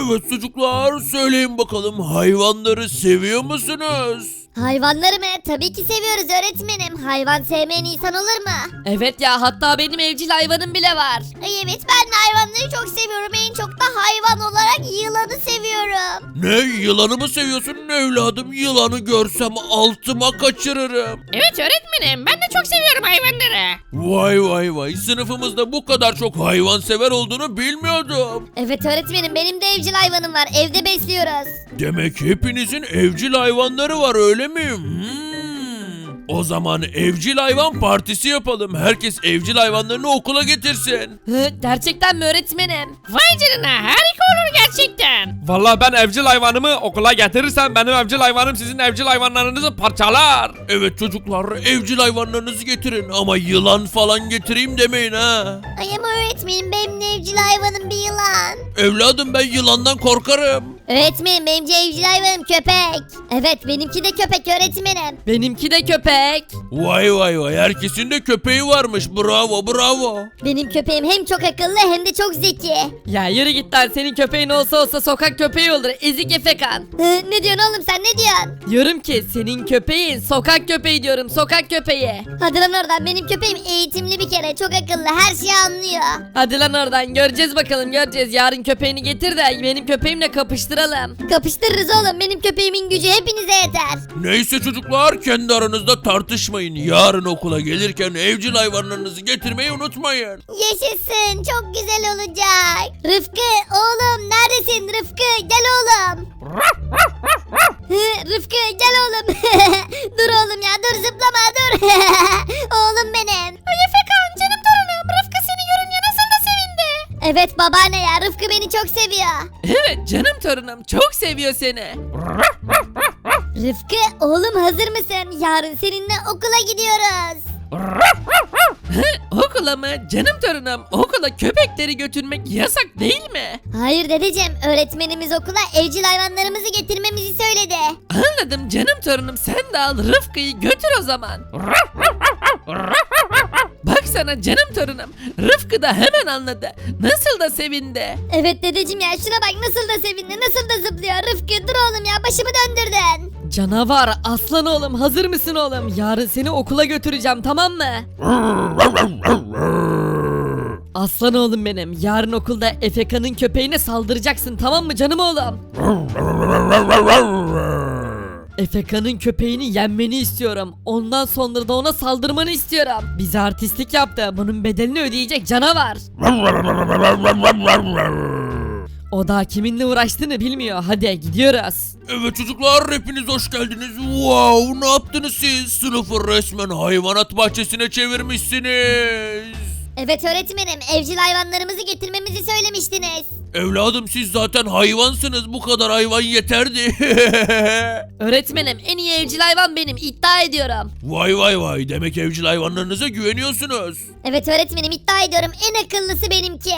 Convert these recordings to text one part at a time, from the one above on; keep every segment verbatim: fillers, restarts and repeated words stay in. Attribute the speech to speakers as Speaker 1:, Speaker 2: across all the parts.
Speaker 1: Evet çocuklar, söyleyin bakalım, hayvanları seviyor musunuz?
Speaker 2: Hayvanları mı? Tabii ki seviyoruz öğretmenim. Hayvan sevmeyen insan olur mu?
Speaker 3: Evet ya, hatta benim evcil hayvanım bile var.
Speaker 2: Ay evet, ben de hayvanları çok seviyorum. En çok da hayvan olarak yılanı seviyorum.
Speaker 1: Ne, yılanı mı seviyorsun evladım? Yılanı görsem altıma kaçırırım.
Speaker 4: Evet öğretmenim, ben de çok seviyorum hayvanları.
Speaker 1: Vay vay vay, sınıfımızda bu kadar çok hayvansever olduğunu bilmiyordum.
Speaker 2: Evet öğretmenim, benim de evcil hayvanım var. Evde besliyoruz.
Speaker 1: Demek hepinizin evcil hayvanları var, öyle mi? Hmm. O zaman evcil hayvan partisi yapalım. Herkes evcil hayvanlarını okula getirsin.
Speaker 3: Hı, gerçekten mi öğretmenim?
Speaker 4: Vay canına, harika olur gerçekten.
Speaker 5: Vallahi ben evcil hayvanımı okula getirirsem benim evcil hayvanım sizin evcil hayvanlarınızı parçalar.
Speaker 1: Evet çocuklar, evcil hayvanlarınızı getirin ama yılan falan getireyim demeyin ha.
Speaker 2: Ay ama öğretmenim, benim de evcil hayvanım bir yılan.
Speaker 1: Evladım, ben yılandan korkarım.
Speaker 2: Öğretmenim, benim de evcil hayvanım köpek. Evet, benimki de köpek öğretmenim.
Speaker 3: Benimki de köpek.
Speaker 1: Vay vay vay, herkesin de köpeği varmış, bravo bravo.
Speaker 2: Benim köpeğim hem çok akıllı hem de çok zeki.
Speaker 3: Ya yürü git lan, senin köpeğin olsa olsa sokak köpeği olur, ezik efekan.
Speaker 2: Hı, ne diyorsun oğlum, sen ne diyorsun?
Speaker 3: Diyorum ki senin köpeğin sokak köpeği diyorum, sokak köpeği.
Speaker 2: Hadi lan oradan, benim köpeğim eğitimli bir kere, çok akıllı, her şeyi anlıyor.
Speaker 3: Hadi lan oradan, göreceğiz bakalım göreceğiz. Yarın köpeğini getir de benim köpeğimle kapıştıralım.
Speaker 2: Kapıştırırız oğlum, benim köpeğimin gücü hepinize yeter.
Speaker 1: Neyse çocuklar, kendi aranızda tartışmayın. Yarın okula gelirken evcil hayvanlarınızı getirmeyi unutmayın.
Speaker 2: Yaşasın, çok güzel olacak. Rıfkı oğlum, neredesin Rıfkı, gel oğlum. Hı, Rıfkı gel oğlum. Dur oğlum ya, dur zıplama dur. Oğlum benim.
Speaker 4: Ay Efekan, canım torunum, Rıfkı seni görünce nasıl da sevindi.
Speaker 2: Evet babaanne ya, Rıfkı beni çok seviyor.
Speaker 3: Evet canım torunum, çok seviyor seni.
Speaker 2: Rıfkı oğlum, hazır mısın? Yarın seninle okula gidiyoruz.
Speaker 3: Okula mı? Canım torunum, okula köpekleri götürmek yasak değil mi?
Speaker 2: Hayır dedeciğim, öğretmenimiz okula evcil hayvanlarımızı getirmemizi söyledi.
Speaker 3: Anladım canım torunum, sen de al Rıfkı'yı götür o zaman. Bak sana canım torunum, Rıfkı da hemen anladı. Nasıl da sevindi.
Speaker 2: Evet dedeciğim ya, şuna bak nasıl da sevindi, nasıl da zıplıyor. Rıfkı dur oğlum ya, başımı döndürdün.
Speaker 3: Canavar, aslan oğlum, hazır mısın oğlum? Yarın seni okula götüreceğim, tamam mı? Aslan oğlum benim, yarın okulda Efeka'nın köpeğine saldıracaksın, tamam mı canım oğlum? Efeka'nın köpeğini yenmeni istiyorum. Ondan sonra da ona saldırmanı istiyorum. Bize artistlik yaptı. Bunun bedelini ödeyecek canavar. O da kiminle uğraştığını bilmiyor. Hadi gidiyoruz.
Speaker 1: Evet çocuklar, hepiniz hoş geldiniz. Wow, ne yaptınız siz? Sınıfı resmen hayvanat bahçesine çevirmişsiniz.
Speaker 2: Evet öğretmenim, evcil hayvanlarımızı getirmemizi söylemiştiniz.
Speaker 1: Evladım, siz zaten hayvansınız, bu kadar hayvan yeterdi.
Speaker 3: Öğretmenim, en iyi evcil hayvan benim, iddia ediyorum.
Speaker 1: Vay vay vay, demek evcil hayvanlarınıza güveniyorsunuz.
Speaker 2: Evet öğretmenim, iddia ediyorum, en akıllısı benimki.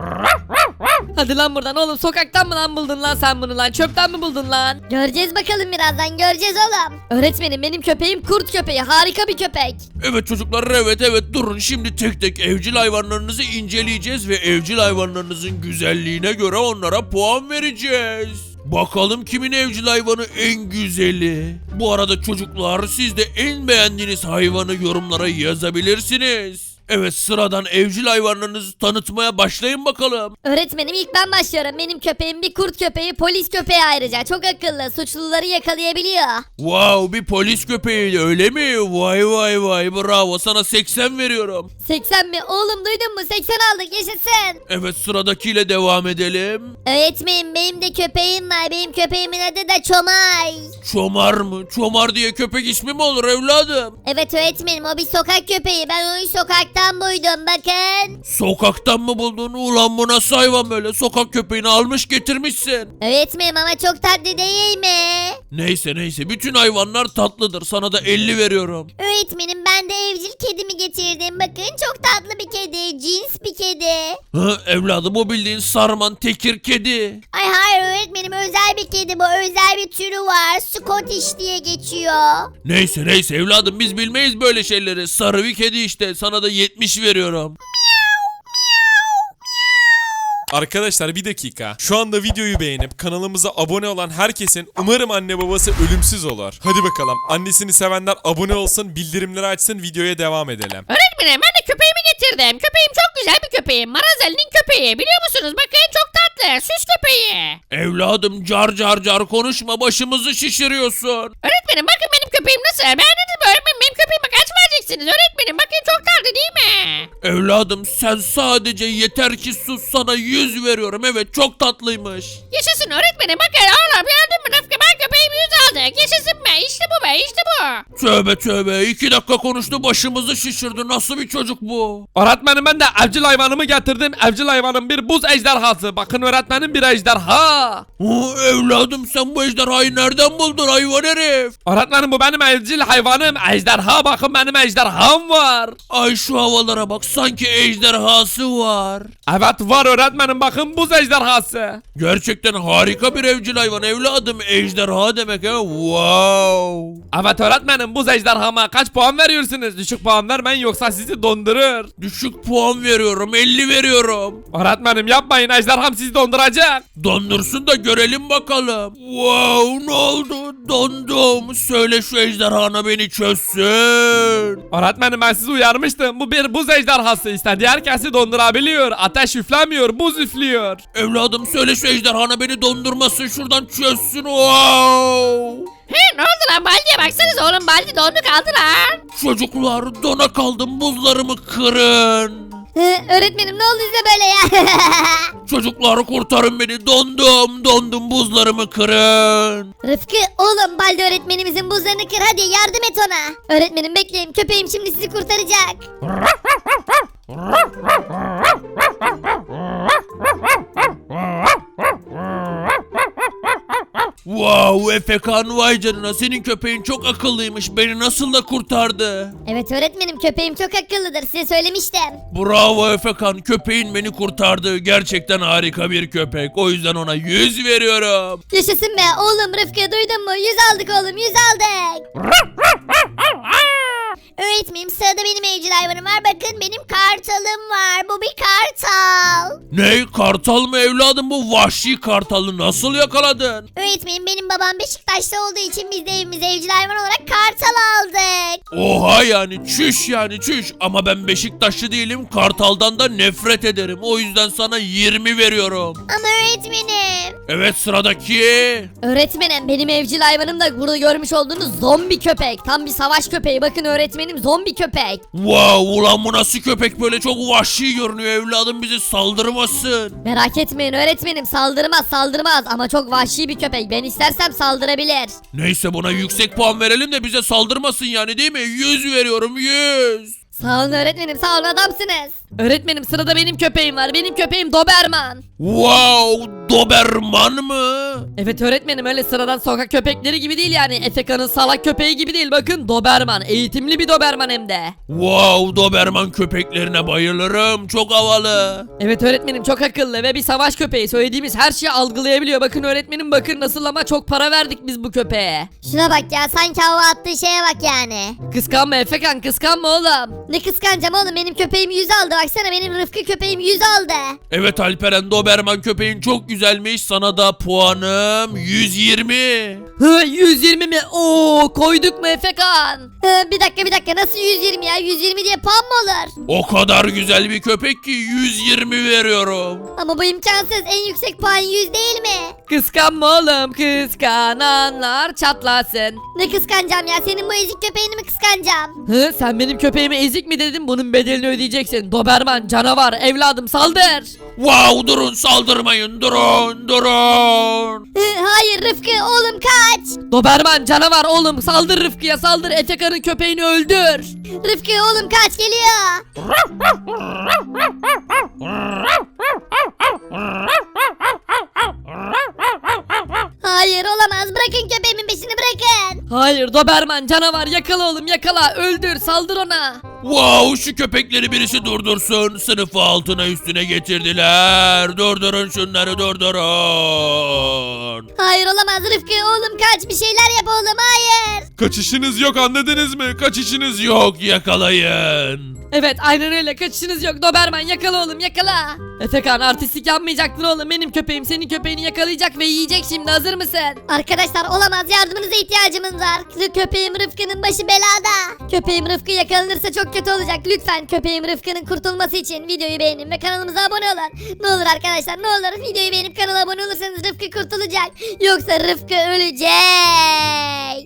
Speaker 3: Hadi lan buradan oğlum, sokaktan mı lan buldun lan sen bunu lan, çöpten mi buldun lan?
Speaker 2: Göreceğiz bakalım, birazdan göreceğiz oğlum.
Speaker 3: Öğretmenim, benim köpeğim kurt köpeği, harika bir köpek.
Speaker 1: Evet çocuklar, evet evet, durun, şimdi tek tek evcil hayvanlarınızı inceleyeceğiz ve evcil hayvanlarınızın güzelliğine göre onlara puan vereceğiz. Bakalım kimin evcil hayvanı en güzeli. Bu arada çocuklar, siz de en beğendiğiniz hayvanı yorumlara yazabilirsiniz. Evet, sıradan evcil hayvanlarınızı tanıtmaya başlayın bakalım.
Speaker 2: Öğretmenim ilk ben başlıyorum. Benim köpeğim bir kurt köpeği, polis köpeği ayrıca. Çok akıllı, suçluları yakalayabiliyor.
Speaker 1: Wow, bir polis köpeği öyle mi? Vay vay vay, bravo, sana seksen veriyorum.
Speaker 2: seksen mi? Oğlum duydun mu? seksen aldık, yaşasın.
Speaker 1: Evet, sıradakiyle devam edelim.
Speaker 2: Öğretmenim benim de köpeğim var. Benim köpeğimin adı da Çomay.
Speaker 1: Çomar mı? Çomar diye köpek ismi mi olur evladım?
Speaker 2: Evet öğretmenim, o bir sokak köpeği. Ben onu sokaktan buydum, bakın.
Speaker 1: Sokaktan mı buldun? Ulan bu nasıl hayvan böyle? Sokak köpeğini almış getirmişsin.
Speaker 2: Öğretmenim ama çok tatlı değil mi?
Speaker 1: Neyse neyse, bütün hayvanlar tatlıdır. Sana da elli veriyorum.
Speaker 2: Öğretmenim ben de evcil kedimi getirdim. Bakın çok tatlı bir kedi. Cins bir kedi.
Speaker 1: Hı, evladım, o bildiğin sarman tekir kedi.
Speaker 2: Ay hayır öğretmenim, özel bir kedi bu. Özel bir türü var. Scottish diye geçiyor.
Speaker 1: Neyse neyse evladım, biz bilmeyiz böyle şeyleri. Sarı bir kedi işte, sana da yetmiş veriyorum.
Speaker 6: Arkadaşlar bir dakika. Şu anda videoyu beğenip kanalımıza abone olan herkesin umarım anne babası ölümsüz olur. Hadi bakalım. Annesini sevenler abone olsun, bildirimleri açsın, videoya devam edelim.
Speaker 4: Öğretmenim ben de köpeğimi getirdim. Köpeğim çok güzel bir köpeğim. Marazeli'nin köpeği. Biliyor musunuz? Bakın çok tatlı. Süs köpeği.
Speaker 1: Evladım car car car konuşma, başımızı şişiriyorsun.
Speaker 4: Öğretmenim bakın benim köpeğim nasıl? Beğendiniz mi öğretmenim? Benim köpeğime kaç vereceksiniz öğretmenim? Bakın çok tatlı değil mi?
Speaker 1: Evladım sen sadece yeter ki sus, sana yüz veriyorum. Evet çok tatlıymış.
Speaker 4: Yaşasın öğretmenim. Bakın oğlum gördün mü Rıfkı? Ben köpeğimi yüz aldık. Yaşasın be. İşte bu be. İşte bu.
Speaker 1: Tövbe tövbe, iki dakika konuştu başımızı şişirdi, nasıl bir çocuk bu?
Speaker 5: Öğretmenim ben de evcil hayvanımı getirdim. Evcil hayvanım bir buz ejderhası. Bakın öğretmenim bir ejderha.
Speaker 1: Oo, evladım sen bu ejderhayı nereden buldun hayvan herif?
Speaker 5: Öğretmenim bu benim evcil hayvanım. Ejderha bakın benim ejderham var.
Speaker 1: Ay şu havalara bak, sanki ejderhası var.
Speaker 5: Evet var öğretmenim bakın buz ejderhası.
Speaker 1: Gerçekten harika bir evcil hayvan evladım, ejderha demek ha, wow.
Speaker 5: Evet öğretmenim buz ejderhama kaç puan veriyorsunuz? Düşük puan vermeyin yoksa sizi dondurur.
Speaker 1: Düşük puan veriyorum, elli veriyorum.
Speaker 5: Öğretmenim yapmayın ejderham sizi donduracak.
Speaker 1: Dondursun da görelim bakalım. Wow, ne oldu? Dondum. Söyle şu ejderhana beni çözsün.
Speaker 5: Öğretmenim ben sizi uyarmıştım. Bu bir buz ejderhası. İstediği herkesi dondurabiliyor. Ateş üflemiyor, buz üflüyor.
Speaker 1: Evladım söyle şu ejderhana beni dondurmasın, şuradan çözsün. Wow.
Speaker 4: He ne oldu lan Baldi'ye baksanıza oğlum. Baldi dondu kaldı lan.
Speaker 1: Çocuklar dona kaldım, buzlarımı kırın.
Speaker 2: Hı, öğretmenim ne oldu size böyle ya?
Speaker 1: Çocuklar kurtarın beni, dondum dondum, buzlarımı kırın.
Speaker 2: Rıfkı oğlum Baldi öğretmenimizin buzlarını kır, hadi yardım et ona. Öğretmenim bekleyin, köpeğim şimdi sizi kurtaracak.
Speaker 1: Wow Efekan, vay canına, senin köpeğin çok akıllıymış, beni nasıl da kurtardı.
Speaker 2: Evet öğretmenim, köpeğim çok akıllıdır, size söylemiştim.
Speaker 1: Bravo Efekan, köpeğin beni kurtardı, gerçekten harika bir köpek, o yüzden ona yüz veriyorum.
Speaker 2: Yaşasın be oğlum, Rıfkı duydun mu? Yüz aldık oğlum, yüz aldık. Öğretmenim sırada benim evcil hayvanım var, bakın benim kartalım var, bu bir kartal.
Speaker 1: Ne, kartal mı evladım, bu vahşi kartalı nasıl yakaladın?
Speaker 2: Öğretmenim benim babam Beşiktaş'ta olduğu için biz de evimize evcil hayvan olarak kartal aldık.
Speaker 1: Oha, yani çüş, yani çüş, ama ben Beşiktaşlı değilim, kartaldan da nefret ederim, o yüzden sana yirmi veriyorum.
Speaker 2: Ama öğretmenim.
Speaker 1: Evet sıradaki.
Speaker 2: Öğretmenim benim evcil hayvanım da burada görmüş olduğunuz zombi köpek. Tam bir savaş köpeği, bakın öğretmenim, zombi köpek.
Speaker 1: Wow, ulan bu nasıl köpek böyle, çok vahşi görünüyor evladım, bizi saldırmasın.
Speaker 2: Merak etmeyin öğretmenim, saldırmaz saldırmaz ama çok vahşi bir köpek, ben istersem saldırabilir.
Speaker 1: Neyse buna yüksek puan verelim de bize saldırmasın yani, değil mi? yüz veriyorum, yüz.
Speaker 2: Sağ olun öğretmenim, sağ olun, adamsınız.
Speaker 3: Öğretmenim sırada benim köpeğim var. Benim köpeğim Doberman.
Speaker 1: Wow, Doberman mı?
Speaker 3: Evet öğretmenim, öyle sıradan sokak köpekleri gibi değil yani. Efeka'nın salak köpeği gibi değil. Bakın Doberman. Eğitimli bir Doberman hem de.
Speaker 1: Wow, Doberman köpeklerine bayılırım, çok havalı.
Speaker 3: Evet öğretmenim, çok akıllı ve bir savaş köpeği. Söylediğimiz her şeyi algılayabiliyor. Bakın öğretmenim, bakın nasıl, ama çok para verdik biz bu köpeğe.
Speaker 2: Şuna bak ya, sanki hava attığı şeye bak yani.
Speaker 3: Kıskanma Efekan, kıskanma oğlum.
Speaker 2: Ne kıskanacağım oğlum, benim köpeğim yüz aldı, baksana benim Rıfkı köpeğim yüz aldı.
Speaker 1: Evet Alperen, Doberman köpeğin çok güzelmiş, sana da puanım yüz yirmi.
Speaker 3: Hı, yüz yirmi mi? Oo, koyduk mu Efekan?
Speaker 2: Hı, bir dakika bir dakika, nasıl yüz yirmi ya, yüz yirmi diye puan mı olur?
Speaker 1: O kadar güzel bir köpek ki yüz yirmi veriyorum.
Speaker 2: Ama bu imkansız, en yüksek puan yüz değil mi?
Speaker 3: Kıskanma oğlum, kıskananlar çatlasın.
Speaker 2: Ne kıskanacağım ya, senin bu ezik köpeğini mi kıskanacağım?
Speaker 3: Hı, sen benim köpeğime ezik mi dedin? Bunun bedelini ödeyeceksin. Doberman canavar, evladım saldır.
Speaker 1: Wow, durun, saldırmayın, durun durun.
Speaker 2: Hı, hayır Rıfkı oğlum kaç.
Speaker 3: Doberman canavar, oğlum saldır Rıfkı'ya, saldır. Efekan'ın köpeğini öldür.
Speaker 2: Rıfkı oğlum kaç, geliyor. Hayır olamaz, bırakın köpeğimin peşini, bırakın.
Speaker 3: Hayır Doberman canavar, yakala oğlum, yakala, öldür, saldır ona.
Speaker 1: Wow, şu köpekleri birisi durdursun. Sınıfı altına üstüne getirdiler. Durdurun şunları, durdurun.
Speaker 2: Hayır olamaz Rıfkı oğlum kaç, bir şeyler yap oğlum, hayır.
Speaker 6: Kaçışınız yok, anladınız mı? Kaçışınız yok.
Speaker 1: Yok, yakalayın.
Speaker 3: Evet aynen öyle, kaçışınız yok. Doberman yakala oğlum, yakala. Efekan artistlik yapmayacaktın oğlum. Benim köpeğim senin köpeğini yakalayacak ve yiyecek şimdi. Hazır mısın?
Speaker 2: Arkadaşlar olamaz, yardımınıza ihtiyacımız var. Köpeğim Rıfkı'nın başı belada. Köpeğim Rıfkı yakalanırsa çok kötü olacak. Lütfen köpeğim Rıfkı'nın kurtulması için videoyu beğenin ve kanalımıza abone olun. Ne olur arkadaşlar, ne olur videoyu beğenip kanala abone olursanız Rıfkı kurtulacak. Yoksa Rıfkı ölecek.